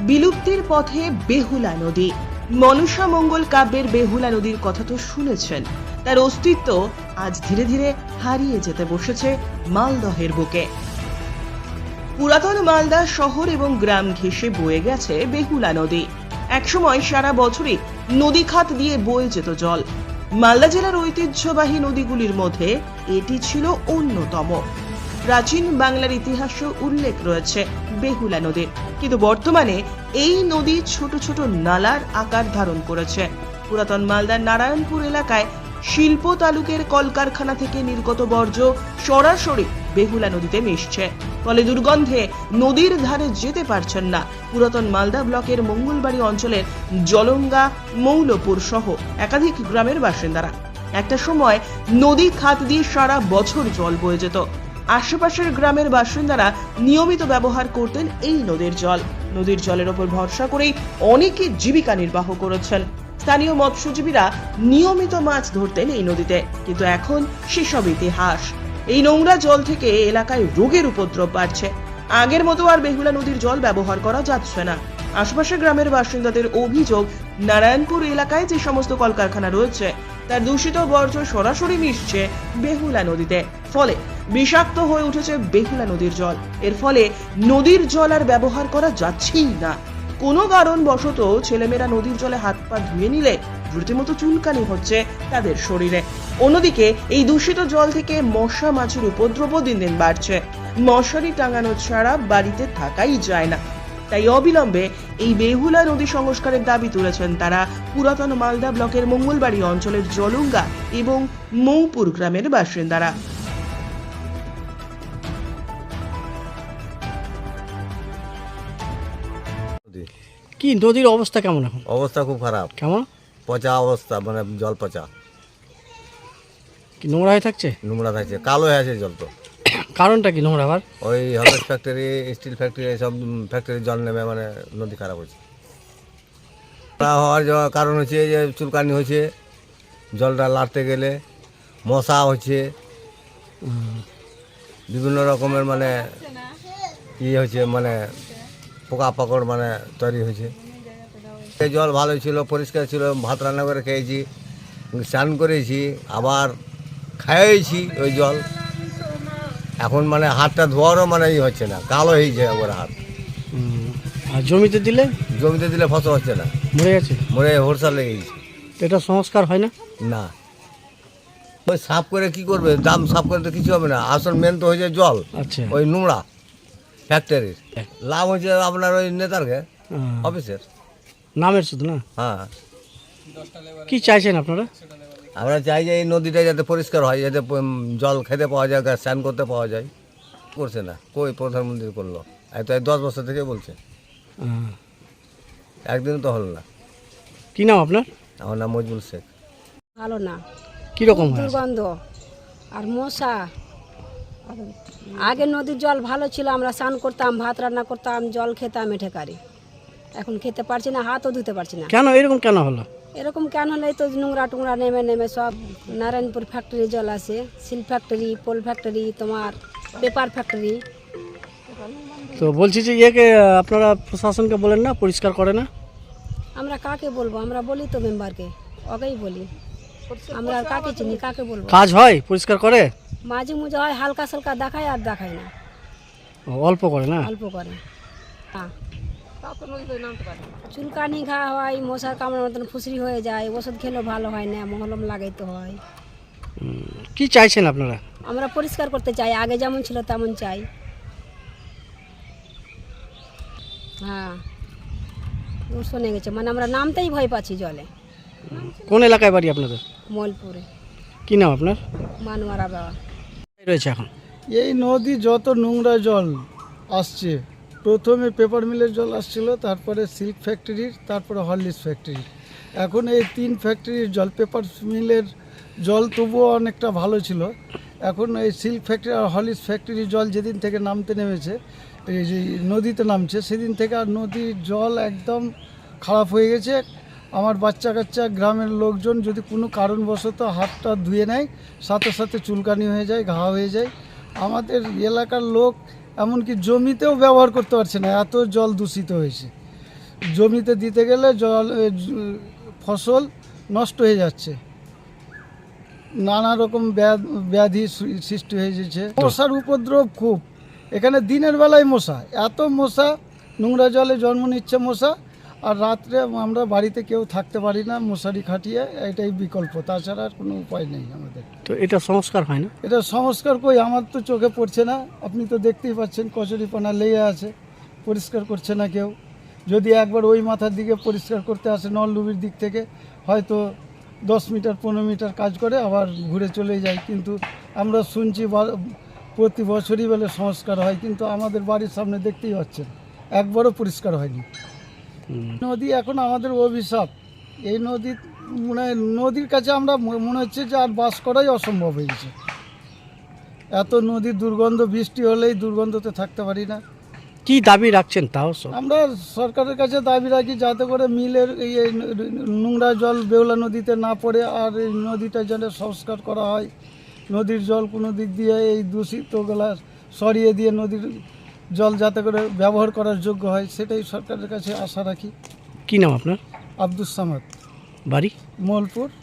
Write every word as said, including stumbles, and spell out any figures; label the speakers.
Speaker 1: বিলুপ্তির পথে বেহুলা নদী। মনসা মঙ্গল কাব্যের বেহুলা নদীর কথা তো শুনেছেন, তার অস্তিত্ব আজ ধীরে ধীরে হারিয়ে যেতে বসেছে মালদহের বুকে। পুরাতন মালদা শহর এবং গ্রাম ঘেঁষে বয়ে গেছে বেহুলা নদী। একসময় সারা বছরই নদী খাত দিয়ে বয়ে যেত জল। মালদা জেলার ঐতিহ্যবাহী নদীগুলির মধ্যে এটি ছিল অন্যতম। প্রাচীন বাংলার ইতিহাসে উল্লেখ রয়েছে বেহুলা নদীর, কিন্তু বর্তমানে এই নদী ছোট ছোট নালার আকার ধারণ করেছে। পুরাতন মালদার নারায়ণপুর এলাকায় শিল্প তালুকের কলকারখানা থেকে নির্গত বর্জ্য সরাসরি বেহুলা নদীতে মিশছে, ফলে দুর্গন্ধে নদীর ধারে যেতে পারছেন না পুরাতন মালদা ব্লকের মঙ্গলবাড়ি অঞ্চলের জলঙ্গা, মৌলপুর সহ একাধিক গ্রামের বাসিন্দারা। একটা সময় নদী খাত দিয়ে সারা বছর জল বয়ে যেত। আশেপাশের গ্রামের বাসিন্দারা নিয়মিত ব্যবহার করতেন এই নদীর জল। নদীর জলের ওপর ভরসা করেই অনেকে জীবিকা নির্বাহ করেছেন। স্থানীয় মৎস্যজীবীরা নিয়মিত মাছ ধরতেন এই নদীতে, কিন্তু এখন সেসব ইতিহাস। এই নোংরা জল থেকে এলাকায় রোগের উপদ্রব বাড়ছে। আগের মতো আর বেহুলা নদীর জল ব্যবহার করা যাচ্ছে না। আশপাশের গ্রামের বাসিন্দাদের অভিযোগ, নারায়ণপুর এলাকায় যে সমস্ত কলকারখানা রয়েছে তার দূষিত বর্জ্য সরাসরি মিশছে বেহুলা নদীতে, ফলে বিষাক্ত হয়ে উঠেছে বেহুলা নদীর জল। এর ফলে নদীর জল আর ব্যবহার করা যাচ্ছেই না। কোনো কারণবশত ছেলেমেয়েরা নদীর জলে হাত পা ধুয়ে নিলে রীতিমতো চুলকানি হচ্ছে তাদের শরীরে। অন্যদিকে এই দূষিত জল থেকে মশা মাছির উপদ্রব দিন দিন বাড়ছে। মশারি টাঙানো ছাড়া বাড়িতে থাকাই যায় না। তাই অবিলম্বে এই বেহুলা নদী সংস্কারের দাবি তুলেছেন তারা পুরাতন মালদা ব্লকের মঙ্গলবাড়ি অঞ্চলের জলঙ্গা এবং মৌপুর গ্রামের বাসিন্দারা।
Speaker 2: কি নদীর অবস্থা কেমন এখন?
Speaker 3: অবস্থা খুব খারাপ।
Speaker 2: কেমন?
Speaker 3: পচা অবস্থা, মানে জল পচা,
Speaker 2: কি নোংরা হয়ে থাকছে?
Speaker 3: নোংরা থাকছে, কালো হয়ে আছে জল। তো
Speaker 2: কারণটা কি নোংরা আবার?
Speaker 3: ওই হলস ফ্যাক্টরি, স্টিল ফ্যাক্টরি, এইসব ফ্যাক্টরির জল নেমে মানে নদী খারাপ হয়েছে। হওয়ার কারণ হচ্ছে যে চুলকানি হয়েছে, জলটা লাড়তে গেলে মশা হচ্ছে, বিভিন্ন রকমের মানে ইয়ে হচ্ছে, মানে পোকা পাকড় মানে তৈরি হয়েছে। এই জল ভালোই ছিল, পরিষ্কার ছিল, ভাত রান্না করে খেয়েছি, স্নান করেছি, আবার খাইয়েছি ওই জল। এখন মানে হাতটা ধোয়ারও মানে ই হচ্ছে না, কালো হয়েছে ওর হাত।
Speaker 2: আর জমিতে দিলে?
Speaker 3: জমিতে দিলে ফসল হচ্ছে না,
Speaker 2: মরে গেছে,
Speaker 3: মরে হোরসা লেগে গেছে।
Speaker 2: এটা সংস্কার হয় না?
Speaker 3: না, ওই সাফ করে কি করবে, দাম সাফ করে তো কিছু হবে না। আসল মেন তো হয়েছে জল।
Speaker 2: আচ্ছা,
Speaker 3: ওই নোংরা ফ্যাক্টরির লাভ হচ্ছে আপনার ওই নেতারকে, অফিসের
Speaker 2: নামের শুধু না।
Speaker 3: হ্যাঁ,
Speaker 2: কি চাইছেন আপনারা?
Speaker 3: আমরা চাই যে এই নদীটা যাতে পরিষ্কার হয়, যাতে জল খেতে পাওয়া যায়, স্নান করতে পাওয়া যায়। করছে না, কই প্রধানমন্ত্রী করলো? এই তো এই দশ বছর থেকে বলছে, একদিন তো হলো না।
Speaker 2: কি নাম আপনার?
Speaker 3: আমার নাম মজবুল শেখ।
Speaker 4: ভালো না,
Speaker 2: কিরকম
Speaker 4: দুর্গন্ধ আর মশা। আগে নদীর জল ভালো ছিল, আমরা স্নান করতাম, ভাত রান্না করতাম, জল খেতাম এঠে কারি। এখন খেতে পারছি না, হাতও ধুতে পারছি না।
Speaker 2: কেন এরকম কেন হলো?
Speaker 4: এরকম কেন হলে তো নোংরা টুংরা নেমে নেমে সব নারায়ণপুর ফ্যাক্টরি জল আসে, সিল ফ্যাক্টরি, পোল ফ্যাক্টরি, তোমার পেপার ফ্যাক্টরি।
Speaker 2: তো বলছি যে ইয়েকে আপনারা প্রশাসনকে বলেন না, পরিষ্কার করে না?
Speaker 4: আমরা কাকে বলবো? আমরা বলি তো মেম্বারকে, ওকেই বলি। আমরা আর কাকে চিনি, কাকে বলবো?
Speaker 2: কাজ হয়, পরিষ্কার করে?
Speaker 4: মাঝে মুঝে হয়, হালকা সালকা দেখায় আর দেখায় না,
Speaker 2: অল্প করে না?
Speaker 4: অল্প করে। হ্যাঁ, চুলকানি ঘা হয়, মশার কামড়ার মতন ফুসরি হয়ে যায়, ওষুধ খেলেও ভালো হয় না, মহলম লাগাইতে হয়।
Speaker 2: কি চাইছেন আপনারা?
Speaker 4: আমরা পরিষ্কার করতে চাই, আগে যেমন ছিল তেমন চাই। হ্যাঁ, দূষণে গেছে, মানে আমরা নামতেই ভয় পাচ্ছি জলে।
Speaker 2: কোন এলাকায় বাড়ি আপনাদের?
Speaker 4: মলপুরে।
Speaker 2: কি নাম আপনার?
Speaker 4: মানওয়ারা বাবা
Speaker 2: রয়েছে এখন
Speaker 5: এই নদী যত নোংরা জল আসছে, প্রথমে পেপার মিলের জল আসছিল, তারপরে সিল্ক ফ্যাক্টরির, তারপরে হরলিক্স ফ্যাক্টরির। এখন এই তিন ফ্যাক্টরির জল, পেপার মিলের জল তবুও অনেকটা ভালো ছিল, এখন এই সিল্ক ফ্যাক্টরি আর হরলিক্স ফ্যাক্টরির জল যেদিন থেকে নামতে নেমেছে, এই যে নদীতে নামছে, সেদিন থেকে আর নদীর জল একদম খারাপ হয়ে গেছে। আমার বাচ্চা কাচ্চা, গ্রামের লোকজন যদি কোনো কারণবশত হাতটা ধুয়ে নেয়, সাথে সাথে চুলকানি হয়ে যায়, ঘা হয়ে যায়। আমাদের এলাকার লোক এমনকি জমিতেও ব্যবহার করতে পারছে না, এত জল দূষিত হয়েছে। জমিতে দিতে গেলে জল এ, জ- ফসল নষ্ট হয়ে যাচ্ছে, নানা রকম ব্যাধ- ব্যাধি সৃ- সৃষ্টি হয়ে যাচ্ছে। মশার উপদ্রব খুব, এখানে দিনের বেলায় মশা, এত মশা, নোংরা জলে জন্ম নিচ্ছে মশা, আর রাত্রে আমরা বাড়িতে কেউ থাকতে পারি না, মশারি খাটিয়ে, এটাই বিকল্প, তাছাড়া আর কোনো উপায় নেই আমাদের।
Speaker 2: তো এটা সংস্কার হয় না?
Speaker 5: এটা সংস্কার কই, আমার তো চোখে পড়ছে না, আপনি তো দেখতেই পাচ্ছেন কচুরিপানা লেগে আছে, পরিষ্কার করছে না কেউ। যদি একবার ওই মাথার দিকে পরিষ্কার করতে আসে নলডুবির দিক থেকে, হয়তো দশ মিটার পনেরো মিটার কাজ করে আবার ঘুরে চলে যায়, কিন্তু আমরা শুনছি বা- প্রতি বছরই বলে সংস্কার হয়, কিন্তু আমাদের বাড়ির সামনে দেখতেই পাচ্ছেন একবারও পরিষ্কার হয়নি।
Speaker 2: হুম।
Speaker 5: নদী এখন আমাদের অভিশাপ, এই নদী মানে নদীর কাছে আমরা ম- মনে হচ্ছে যে আর বাস করাই অসম্ভব হয়ে গেছে। এত নদীর দুর্গন্ধ, বৃষ্টি হলেই দুর্গন্ধতে থাকতে পারি না।
Speaker 2: কি দাবি রাখছেন তাও সব?
Speaker 5: আমরা সরকারের কাছে দাবি রাখি যাতে করে মিলের এই এই নোংরা জল বেহুলা নদীতে না পড়ে, আর এই নদীটা যেন সংস্কার করা হয়, নদীর জল কোনো দিক দিয়ে এই দূষিতগুলা সরিয়ে দিয়ে নদীর জল যাতে করে ব্যবহার করার যোগ্য হয়, সেটাই সরকারের কাছে আশা রাখি।
Speaker 2: কি নাম আপনার?
Speaker 5: আব্দুস সামাদ,
Speaker 2: বাড়ি?
Speaker 5: মোলপুর।